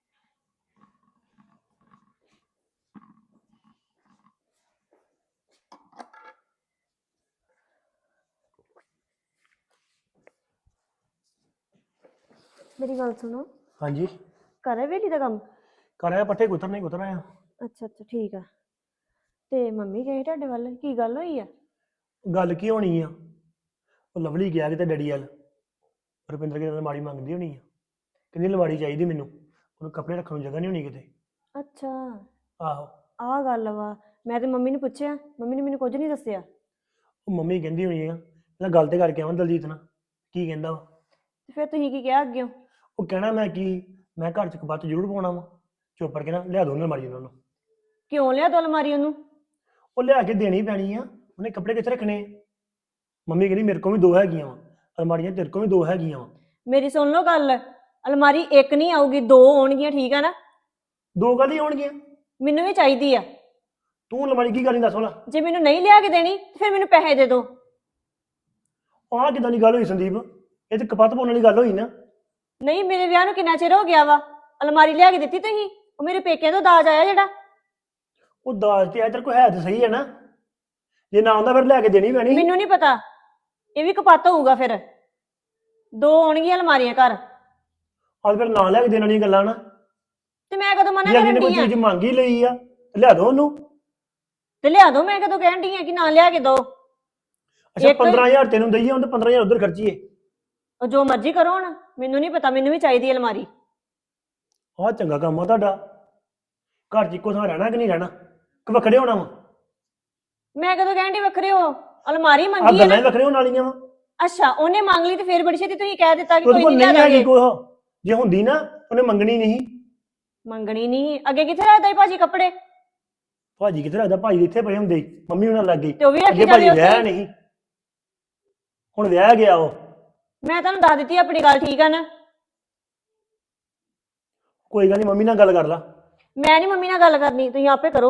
F: ਮੇਰੀ ਗੱਲ ਸੁਣੋ,
D: ਹਾਂਜੀ
F: ਕਰੇ ਵੇਲੀ ਦਾ ਕੰਮ?
D: ਕਰ ਆਇਆ, ਪੱਠੇ ਕੁਤਰ ਨਹੀਂ ਕੁਤਰ ਆਇਆ।
F: ਅੱਛਾ ਅੱਛਾ ਠੀਕ ਆ। ਤੇ ਮੰਮੀ ਗਏ ਤੁਹਾਡੇ ਵੱਲ, ਕੀ ਗੱਲ ਹੋਈ ਆ?
D: ਗੱਲ ਕੀ ਹੋਣੀ ਆ, ਉਹ ਲਵਲੀ ਗਿਆ ਕਿਤੇ ਡੈਡੀ ਵੱਲ, ਰੁਪਿੰਦਰ ਕਿਤੇ ਅਲਮਾਰੀ ਮੰਗਦੀ ਹੋਣੀ ਆ, ਕਹਿੰਦੀ ਅਲਮਾਰੀ ਚਾਹੀਦੀ ਮੈਨੂੰ, ਉਹਨੂੰ ਕੱਪੜੇ ਰੱਖਣ ਨੂੰ ਜਗ੍ਹਾ ਨਹੀਂ ਹੋਣੀ ਕਿਤੇ।
F: ਅੱਛਾ
D: ਆਹੋ।
F: ਆਹ ਗੱਲ ਵਾ, ਮੈਂ ਤੇ ਮੰਮੀ ਨੂੰ ਪੁੱਛਿਆ, ਮੰਮੀ ਨੇ ਮੈਨੂੰ ਕੁਝ ਨਹੀਂ ਦੱਸਿਆ।
D: ਉਹ ਮੰਮੀ ਕਹਿੰਦੀ ਹੋਣੀ ਆ, ਮੈਂ ਗੱਲ ਤੇ ਕਰਕੇ ਆਵਾਂ ਦਲਜੀਤ ਨਾਲ, ਕੀ ਕਹਿੰਦਾ ਵਾ।
F: ਤੇ ਫਿਰ ਤੁਸੀਂ ਕੀ ਕਿਹਾ ਅੱਗਿਓਂ?
D: ਉਹ ਕਹਿਣਾ ਮੈਂ ਕੀ, ਮੈਂ ਘਰ 'ਚ ਕਪੱਤ ਜ਼ਰੂਰ ਪਾਉਣਾ ਵਾ, ਚੁੱਪ ਕਰਕੇ ਨਾ ਲਿਆ ਦੋ ਉਹਨੂੰ ਅਲਮਾਰੀ ਉਹਨਾਂ ਨੂੰ।
F: ਕਿਉਂ ਲਿਆ ਦੋ ਅਲਮਾਰੀ ਉਹਨੂੰ?
D: ਉਹ ਲਿਆ ਕੇ ਦੇਣੀ ਪੈਣੀ ਆ, ਉਹਨੇ ਕੱਪੜੇ ਕਿੱਥੇ ਰੱਖਣੇ ਆ। ਮੰਮੀ ਕਹਿੰਦੀ ਮੇਰੇ ਕੋਲ ਵੀ ਦੋ ਹੈਗੀਆਂ ਵਾ ਅਲਮਾਰੀਆਂ, ਤੇਰੇ ਕੋਲ ਵੀ ਦੋ ਹੈਗੀਆਂ ਵਾ।
F: ਮੇਰੀ ਸੁਣ ਲਓ ਗੱਲ, ਅਲਮਾਰੀ ਇੱਕ ਨਹੀਂ ਆਊਗੀ, ਦੋ ਆਉਣਗੀਆਂ, ਠੀਕ ਆ ਨਾ?
D: ਦੋ ਗੱਲ ਹੀ ਹੋਣਗੀਆਂ।
F: ਮੈਨੂੰ ਵੀ ਚਾਹੀਦੀ ਆ।
D: ਤੂੰ ਅਲਮਾਰੀ ਕੀ ਕਰਨੀ ਦੱਸ ਭਲਾ?
F: ਜੇ ਮੈਨੂੰ ਨਹੀਂ ਲਿਆ ਕੇ ਦੇਣੀ ਤੇ ਫਿਰ ਮੈਨੂੰ ਪੈਸੇ ਦੇ ਦਿਓ।
D: ਆਹ ਕਿੱਦਾਂ ਦੀ ਗੱਲ ਹੋਈ ਸੰਦੀਪ, ਇਹ ਤੇ ਕਪੱਤ ਪਾਉਣ ਵਾਲੀ ਗੱਲ ਹੋਈ ਨਾ।
F: ਨਹੀਂ, ਮੇਰੇ ਵਿਆਹ ਨੂੰ ਕਿੰਨਾ ਚਿਰ ਹੋ ਗਿਆ ਵਾ, ਅਲਮਾਰੀ ਲਿਆ ਕੇ ਦਿੱਤੀ ਤੁਸੀਂ? ਉਹ ਮੇਰੇ ਪੇਕਿਆਂ ਤੋਂ ਦਾਜ ਆਇਆ ਜਿਹੜਾ।
D: ਉਹ ਦਾਜ ਤੇ ਆ ਤੇਰੇ ਕੋਲ ਹੈ ਤੇ ਸਹੀ ਹੈ ਨਾ, ਜੇ ਨਾ ਆਉਂਦਾ ਫਿਰ ਲੈ ਕੇ ਦੇਣੀ ਪੈਣੀ।
F: ਮੈਨੂੰ ਨਹੀਂ ਪਤਾ, ਇਹ ਵੀ ਕਪੱਤ ਹੋਊਗਾ। ਫਿਰ ਦੋ ਆਉਣਗੀਆਂ ਅਲਮਾਰੀਆਂ ਘਰ।
D: ਆਹ ਫਿਰ ਨਾ ਲੈ ਕੇ ਦੇਣ ਵਾਲੀਆਂ ਗੱਲਾਂ ਨਾ।
F: ਤੇ ਮੈਂ ਕਦੋਂ ਮਨਾ
D: ਜੇ ਅਗਲੇ
F: ਕਰਨ
D: ਨੇ ਕੋਈ
F: ਡਈ ਆ?
D: ਚੀਜ਼ ਮੰਗ ਹੀ ਲਈ ਆ ਤੇ ਲਿਆ ਦੋ ਉਹਨੂੰ।
F: ਤੇ ਲਿਆ ਦੋ, ਮੈਂ ਕਦੋਂ ਕਹਿਣ ਡਈ ਆ ਕਿ ਨਾ ਲਿਆ ਕੇ ਦੋ?
D: ਅੱਛਾ
F: ਇੱਕ-
D: ਪੰਦਰਾਂ ਹਜ਼ਾਰ ਤੈਨੂੰ ਦਈਏ, ਉਹਨੇ ਪੰਦਰਾਂ ਹਜ਼ਾਰ ਉਧਰ ਖਰਚੀਏ।
F: ਉਹ ਜੋ ਮਰਜ਼ੀ ਕਰੋ ਹੁਣ, ਮੈਨੂੰ ਨਹੀਂ ਪਤਾ, ਮੈਨੂੰ ਵੀ ਚਾਹੀਦੀ ਹੈ ਅਲਮਾਰੀ।
D: ਆਹ ਚੰਗਾ ਕੰਮ ਆ ਤੁਹਾਡਾ, ਘਰ 'ਚ ਇੱਕੋ ਥਾਂ ਰਹਿਣਾ ਕਿ ਨਹੀਂ ਰਹਿਣਾ, ਕਿ ਵੱਖਰੇ ਹੋਣਾ ਵਾ?
F: ਮੈਂ ਕਦੋਂ ਕਹਿਣ ਡਈ ਵੱਖਰੇ ਹੋ? ਅਲਮਾਰੀ
D: ਆਹ
F: ਮੰਗੀ ਹੈ
D: ਗੱਲਾਂ ਹੀ
F: ਨਾ।
D: ਵੱਖਰੇ ਹੋਣ ਵਾਲੀਆਂ ਵਾ।
F: ਅੱਛਾ, ਉਹਨੇ ਮੰਗ ਲਈ ਤੇ ਫਿਰ ਬੜੀ ਛੇਤੀ ਤੁਸੀਂ ਕਹਿ ਦਿੱਤਾ ਕਿ
D: ਉਹਦੇ
F: ਕੋਈ
D: ਕੋਲ
F: ਨਹੀਂ
D: ਨਹੀਂ
F: ਲਿਆ
D: ਹੈਗੀ
F: ਦਾਂਗੇ।
D: ਕੋਹ, ਜੇ ਹੁੰਦੀ ਨਾ ਉਹਨੇ ਮੰਗਣੀ ਨਹੀਂ।
F: ਮੰਗਣੀ ਨਹੀਂ, ਅੱਗੇ ਕਿੱਥੇ ਰੱਖਦਾ ਸੀ ਭਾਜੀ ਕੱਪੜੇ?
D: ਭਾਜੀ ਕਿੱਥੇ ਰੱਖਦਾ, ਭਾਜੀ ਇੱਥੇ ਪਏ ਹੁੰਦੇ ਸੀ, ਮੰਮੀ ਉਹਨਾਂ ਲੱਗ ਗਈ।
F: ਤੇ ਉਹ ਵੀ ਰੱਖੀ
D: ਅੱਗੇ ਭਾਜੀ
F: ਜਾਂਦੇ
D: ਵਿਆਹ
F: ਉੱਥੇ।
D: ਨਹੀਂ, ਹੁਣ ਵਿਆਹ ਗਿਆ ਉਹ।
F: ਮੈਂ ਤੁਹਾਨੂੰ ਦੱਸ ਦਿੱਤੀ ਆਪਣੀ ਗੱਲ, ਠੀਕ ਆ ਨਾ?
D: ਕੋਈ ਗੱਲ ਨਹੀਂ, ਮੰਮੀ ਨਾਲ ਗੱਲ ਕਰ ਲਾ।
F: ਮੈਂ ਨਹੀਂ ਮੰਮੀ ਨਾਲ ਗੱਲ ਕਰਨੀ, ਤੁਸੀਂ ਆਪੇ ਕਰੋ।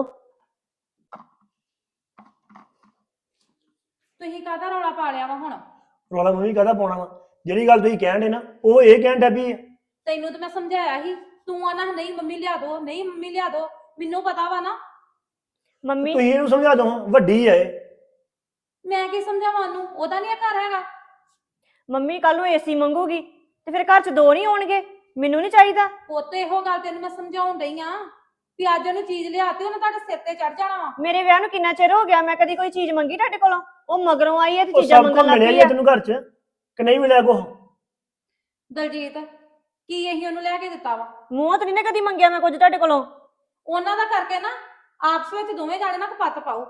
C: ਤੁਸੀਂ ਕਾਹਦਾ ਰੌਲਾ ਪਾ ਲਿਆ ਵਾ ਹੁਣ?
D: ਰੌਲਾ ਮੰਮੀ ਕਾਹਦਾ ਪਾਉਣਾ ਵਾ, ਜਿਹੜੀ ਗੱਲ ਤੁਸੀਂ ਕਹਿਣ ਦੇ ਨਾ ਉਹ ਇਹ ਕਹਿਣ ਡਿਆ ਵੀ
C: ਤੈਨੂੰ ਤਾਂ ਮੈਂ ਸਮਝਾਇਆ ਸੀ, ਤੂੰ ਆਣਾ ਨਹੀਂ ਮੰਮੀ ਲਿਆ ਦੋ, ਨਹੀਂ ਮੰਮੀ ਲਿਆ ਦੋ। ਮੈਨੂੰ ਪਤਾ ਵਾ ਨਾ।
F: ਮੰਮੀ
D: ਤੁਸੀਂ ਇਹਨੂੰ ਸਮਝਾ ਦੋ, ਵੱਡੀ ਹੈ ਇਹ।
C: ਮੈਂ ਕੀ ਸਮਝਾਵਾਂ ਉਹਨੂੰ, ਉਹਦਾ ਨਹੀਂ ਘਰ ਹੈਗਾ।
F: ਮੰਮੀ ਕੱਲ ਨੂੰ ਏਸੀ ਮੰਗੂਗੀ ਤੇ ਫਿਰ ਘਰ 'ਚ ਦੋ ਨਹੀਂ ਆਉਣਗੇ, ਮੈਨੂੰ ਨਹੀਂ ਚਾਹੀਦਾ।
C: ਪੁੱਤ ਇਹੋ ਗੱਲ ਤੈਨੂੰ ਮੈਂ ਸਮਝਾਉਣ ਡਈ ਆ ਵੀ ਅੱਜ ਉਹਨੂੰ ਚੀਜ਼ ਲਿਆਤੀ, ਉਹਨੇ ਤੁਹਾਡੇ ਸਿਰ ਤੇ ਚੜ ਜਾਣਾ ਵਾ।
F: ਮੇਰੇ ਵਿਆਹ ਨੂੰ ਕਿੰਨਾ ਚਿਰ ਹੋ ਗਿਆ, ਮੈਂ ਕਦੀ ਕੋਈ ਚੀਜ਼ ਮੰਗੀ ਤੁਹਾਡੇ ਕੋਲੋਂ? ਉਹ ਮਗਰੋਂ ਆਈ ਹੈ ਤੇ
D: ਉਹ
F: ਚੀਜ਼ਾਂ
D: ਸਭ
F: ਮੰਗਣ
D: ਕੁਝ
F: ਲੱਗ
D: ਮਿਲਿਆ
F: ਪਈ
D: ਹੀ ਆ
F: ਆ।
D: ਤੈਨੂੰ ਘਰ 'ਚ ਕਿ ਨਹੀਂ ਮਿਲਿਆ ਕੁਛ?
C: ਦਲਜੀਤ, ਕੀ ਇਹੀ ਉਹਨੂੰ ਲੈ ਕੇ ਦਿੱਤਾ ਵਾ?
F: ਮੂੰਹ ਤੇ ਨਹੀਂ ਨਾ ਕਦੀ ਮੰਗਿਆ ਮੈਂ ਕੁਝ ਤੁਹਾਡੇ ਕੋਲੋਂ।
C: ਉਹਨਾਂ ਦਾ ਕਰਕੇ ਨਾ ਆਪਸ ਵਿੱਚ ਦੋਵੇਂ ਜਾਣੇ ਨਾ ਕਪੱਤ ਪਾਓ।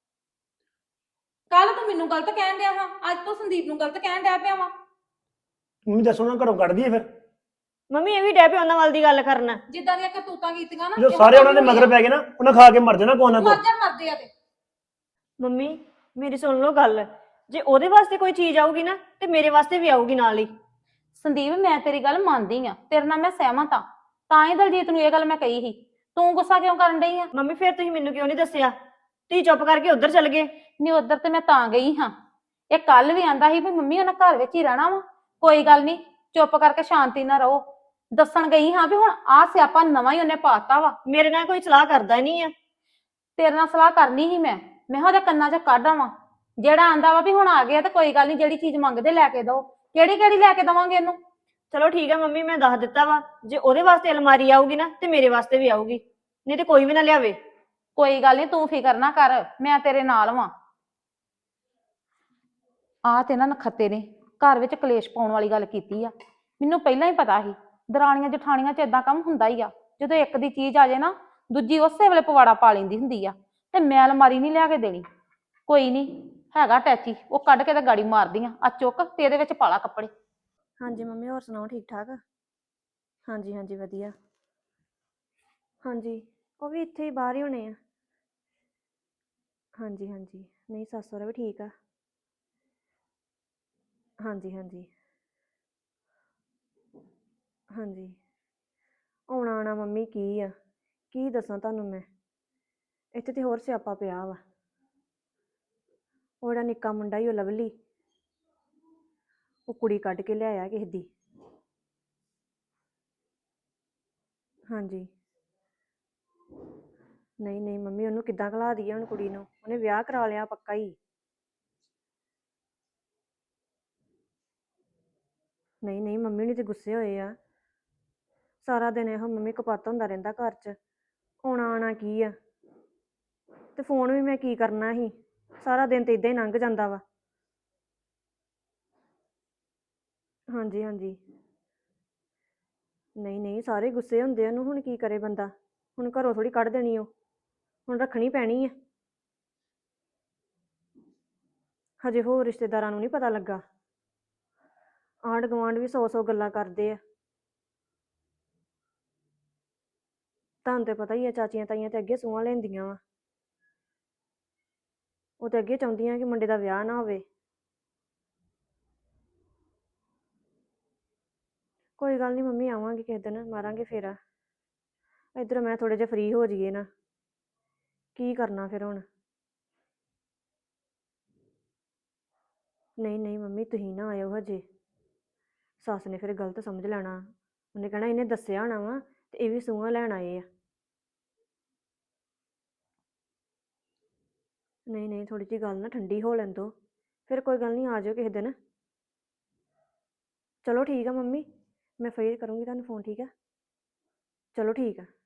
C: ਕੱਲ ਤੂੰ ਮੈਨੂੰ ਗਲਤ ਕਹਿਣ ਡਿਆ ਵਾ, ਅੱਜ ਤੂੰ ਸੰਦੀਪ ਨੂੰ ਗਲਤ ਕਹਿਣ ਡਿਆ ਪਿਆ ਵਾ।
D: ਮੰਮੀ ਦੱਸੋ ਨਾ, ਘਰੋਂ ਕੱਢ ਦਈਏ ਫਿਰ?
F: ਮੰਮੀ ਇਹ ਵੀ ਡੈ ਪਿਆ ਉਹਨਾਂ ਵੱਲ ਦੀ ਗੱਲ ਕਰਨਾ।
C: ਜਿੱਦਾਂ ਦੀਆਂ ਕਰਤੂਤਾਂ ਕੀਤੀਆਂ ਨਾ,
D: ਜਦੋਂ ਸਾਰੇ ਉਹਨਾਂ ਦੇ ਮਗਰ ਪੈ ਗਏ ਨਾ, ਉਹਨਾਂ ਖਾ ਕੇ ਮਰ ਜਾਣਾ ਕੋਈ ਨਾ ਕੋਈ।
C: ਮਰ ਜਾਣ, ਮਰਦੇ ਆ ਤੇ।
F: ਮੰਮੀ ਮੇਰੀ ਸੁਣ ਲਓ ਗੱਲ, ਜੇ ਉਹਦੇ ਵਾਸਤੇ ਕੋਈ ਚੀਜ਼ ਆਊਗੀ ਨਾ ਤੇ ਮੇਰੇ ਵਾਸਤੇ ਵੀ ਆਊਗੀ ਨਾਲ ਹੀ।
C: ਸੰਦੀਪ, ਮੈਂ ਤੇਰੀ ਗੱਲ ਮੰਨਦੀ ਆ, ਤੇਰੇ ਨਾਲ ਮੈਂ ਸਹਿਮਤ ਆ, ਤਾਂ ਹੀ ਦਲਜੀਤ ਨੂੰ ਇਹ ਗੱਲ ਮੈਂ ਕਹੀ ਸੀ। ਤੂੰ ਗੁੱਸਾ ਕਿਉਂ ਕਰਨ ਡਈ ਆ?
F: ਮੰਮੀ ਫਿਰ ਤੁਸੀਂ ਮੈਨੂੰ ਕਿਉਂ ਨਹੀਂ ਦੱਸਿਆ? ਤੁਸੀਂ ਚੁੱਪ ਕਰਕੇ ਉੱਧਰ ਚਲ ਗਏ।
C: ਨਹੀਂ, ਉਧਰ ਤੇ ਮੈਂ ਤਾਂ ਗਈ ਹਾਂ। ਇਹ ਕੱਲ ਵੀ ਆਂਦਾ ਸੀ ਵੀ ਮੰਮੀ ਉਹਨਾਂ ਘਰ ਵਿੱਚ ਹੀ ਰਹਿਣਾ ਵਾ, ਕੋਈ ਗੱਲ ਨਹੀਂ, ਚੁੱਪ ਕਰਕੇ ਸ਼ਾਂਤੀ ਨਾਲ ਰਹੋ। ਦੱਸਣ ਗਈ ਹਾਂ ਵੀ ਹੁਣ ਆਹ ਸਿਆਪਾ ਨਵਾਂ ਹੀ ਉਹਨੇ ਪਾਤਾ ਵਾ।
F: ਮੇਰੇ ਨਾਲ ਕੋਈ ਸਲਾਹ ਕਰਦਾ ਨਹੀਂ ਆ।
C: ਤੇਰੇ ਨਾਲ ਸਲਾਹ ਕਰਨੀ ਸੀ ਮੈਂ, ਮੈਂ ਕਿਹਾ ਉਹਦੇ ਕੰਨਾਂ 'ਚ ਕੱਢ ਆਵਾਂ। ਜਿਹੜਾ ਆਂਦਾ ਵਾ ਵੀ ਹੁਣ ਆ ਗਿਆ ਤੇ ਕੋਈ ਗੱਲ ਨਹੀਂ, ਜਿਹੜੀ ਚੀਜ਼ ਮੰਗਦੇ ਲੈ ਕੇ ਦੋ। ਕਿਹੜੀ ਕਿਹੜੀ ਲੈ ਕੇ ਦਵਾਂਗੇ ਇਹਨੂੰ?
F: ਚਲੋ ਠੀਕ ਆ ਮੰਮੀ, ਮੈਂ ਦੱਸ ਦਿੱਤਾ ਵਾ, ਜੇ ਉਹਦੇ ਵਾਸਤੇ ਅਲਮਾਰੀ ਆਊਗੀ ਨਾ ਤੇ ਮੇਰੇ ਵਾਸਤੇ ਵੀ ਆਊਗੀ, ਨਹੀਂ ਤੇ ਕੋਈ ਵੀ ਨਾ ਲਿਆਵੇ।
C: ਕੋਈ ਗੱਲ ਨਹੀਂ, ਤੂੰ ਫਿਕਰ ਨਾ ਕਰ, ਮੈਂ ਤੇਰੇ ਨਾਲ ਵਾਂ। ਆ ਤੇ ਨਾ ਨਖੱਤੇ ਨੇ ਘਰ ਵਿੱਚ ਕਲੇਸ਼ ਪਾਉਣ ਵਾਲੀ ਗੱਲ ਕੀਤੀ ਆ। ਮੈਨੂੰ ਪਹਿਲਾਂ ਹੀ ਪਤਾ ਸੀ ਦਰਾਣੀਆਂ ਜਠਾਣੀਆਂ 'ਚ ਏਦਾਂ ਕੰਮ ਹੁੰਦਾ ਹੀ ਆ। ਜਦੋਂ ਇੱਕ ਦੀ ਚੀਜ਼ ਆ ਜਾਏ ਨਾ, ਦੂਜੀ ਉਸੇ ਵੇਲੇ ਪਵਾੜਾ ਪਾ ਲੈਂਦੀ ਹੁੰਦੀ ਆ। ਤੇ ਮੈਂ ਅਲਮਾਰੀ ਨਹੀਂ ਲਿਆ ਕੇ ਦੇਣੀ। ਕੋਈ ਨਹੀਂ, ਹੈਗਾ ਟੈਚੀ, ਉਹ ਕੱਢ ਕੇ ਤੇ ਗਾੜੀ ਮਾਰਦੀ ਆ। ਆ ਚੁੱਕ ਤੇ ਇਹਦੇ ਵਿੱਚ ਪਾ ਲਾ ਕੱਪੜੇ।
F: ਹਾਂਜੀ ਮੰਮੀ, ਹੋਰ ਸੁਣਾਓ, ਠੀਕ ਠਾਕ? ਹਾਂਜੀ ਹਾਂਜੀ ਵਧੀਆ। ਹਾਂਜੀ, ਉਹ ਵੀ ਇੱਥੇ ਹੀ ਬਾਹਰ ਹੀ ਹੋਣੇ ਆ। ਹਾਂਜੀ ਹਾਂਜੀ, ਨਹੀਂ ਸੱਸ ਸਹੁਰਾ ਵੀ ਠੀਕ ਆ। ਹਾਂਜੀ ਹਾਂਜੀ ਹਾਂਜੀ, ਆਉਣਾ ਆਉਣਾ ਮੰਮੀ ਕੀ ਆ, ਕੀ ਦੱਸਾਂ ਤੁਹਾਨੂੰ ਮੈਂ, ਇੱਥੇ ਤੇ ਹੋਰ ਸਿਆਪਾ ਪਿਆ ਵਾ। ਉਹ ਜਿਹੜਾ ਨਿੱਕਾ ਮੁੰਡਾ ਹੀ ਉਹ ਲਵਲੀ, ਉਹ ਕੁੜੀ ਕੱਢ ਕੇ ਲਿਆਇਆ ਕਿਸੇ ਦੀ। ਹਾਂਜੀ, ਨਹੀਂ ਨਹੀਂ ਮੰਮੀ, ਉਹਨੂੰ ਕਿੱਦਾਂ ਘਲਾ ਦਈਏ ਹੁਣ ਕੁੜੀ ਨੂੰ, ਉਹਨੇ ਵਿਆਹ ਕਰਾ ਲਿਆ ਪੱਕਾ ਹੀ। ਨਹੀਂ ਨਹੀਂ ਮੰਮੀ ਨੇ ਤੇ ਗੁੱਸੇ ਹੋਏ ਆ। ਸਾਰਾ ਦਿਨ ਇਹੋ ਮੰਮੀ ਕਪੱਤ ਹੁੰਦਾ ਰਹਿੰਦਾ ਘਰ 'ਚ, ਆਉਣਾ ਆਉਣਾ ਕੀ ਆ। ਤੇ ਫੋਨ ਵੀ ਮੈਂ ਕੀ ਕਰਨਾ ਸੀ, ਸਾਰਾ ਦਿਨ ਤੇ ਇਦਾਂ ਹੀ ਲੰਘ ਜਾਂਦਾ ਵਾ। ਹਾਂਜੀ ਹਾਂਜੀ, ਨਹੀਂ ਨਹੀਂ ਸਾਰੇ ਗੁੱਸੇ ਹੁੰਦੇ ਆ ਉਹਨੂੰ, ਹੁਣ ਕੀ ਕਰੇ ਬੰਦਾ, ਹੁਣ ਘਰੋਂ ਥੋੜੀ ਕੱਢ ਦੇਣੀ, ਉਹ ਹੁਣ ਰੱਖਣੀ ਪੈਣੀ ਆ। ਹਜੇ ਹੋਰ ਰਿਸ਼ਤੇਦਾਰਾਂ ਨੂੰ ਨਹੀਂ ਪਤਾ ਲੱਗਾ, ਆਂਢ ਗੁਆਂਢ ਵੀ ਸੌ ਸੌ ਗੱਲਾਂ ਕਰਦੇ ਆ। ਤੁਹਾਨੂੰ ਤੇ ਪਤਾ ਹੀ ਆ, ਚਾਚੀਆਂ ਤਾਈਆਂ ਤੇ ਅੱਗੇ ਸੂਹਾਂ ਲੈਂਦੀਆਂ ਵਾ, ਉਹ ਤੇ ਅੱਗੇ ਚਾਹੁੰਦੀਆਂ ਕਿ ਮੁੰਡੇ ਦਾ ਵਿਆਹ ਨਾ ਹੋਵੇ। ਕੋਈ ਗੱਲ ਨਹੀਂ ਮੰਮੀ, ਆਵਾਂਗੇ ਕਿਸੇ ਦਿਨ, ਮਾਰਾਂਗੇ ਫੇਰਾ। ਇੱਧਰ ਮੈਂ ਥੋੜੇ ਜਿਹਾ ਫ੍ਰੀ ਹੋ ਜਾਈਏ ਨਾ, ਕੀ ਕਰਨਾ ਫਿਰ ਹੁਣ। ਨਹੀਂ ਨਹੀਂ ਮੰਮੀ, ਤੁਸੀਂ ਨਾ ਆਇਓ ਹਜੇ, ਸੱਸ ਨੇ ਫਿਰ ਗਲਤ ਸਮਝ ਲੈਣਾ, ਉਹਨੇ ਕਹਿਣਾ ਇਹਨੇ ਦੱਸਿਆ ਹੋਣਾ ਵਾ ਤੇ ਇਹ ਵੀ ਸੂਹਾਂ ਲੈਣ ਆਏ ਆ। ਨਹੀਂ ਨਹੀਂ, ਥੋੜੀ ਜਿਹੀ ਗੱਲ ਨਾ ਠੰਡੀ ਹੋ ਲੈਣ ਦੋ, ਫਿਰ ਕੋਈ ਗੱਲ ਨਹੀਂ, ਆ ਜਾਓ ਕਿਸੇ ਦਿਨ। ਚਲੋ ਠੀਕ ਆ ਮੰਮੀ, ਮੈਂ ਫੇਰ ਕਰੂੰਗੀ ਤੁਹਾਨੂੰ ਫੋਨ, ਠੀਕ ਆ? ਚਲੋ ਠੀਕ ਆ।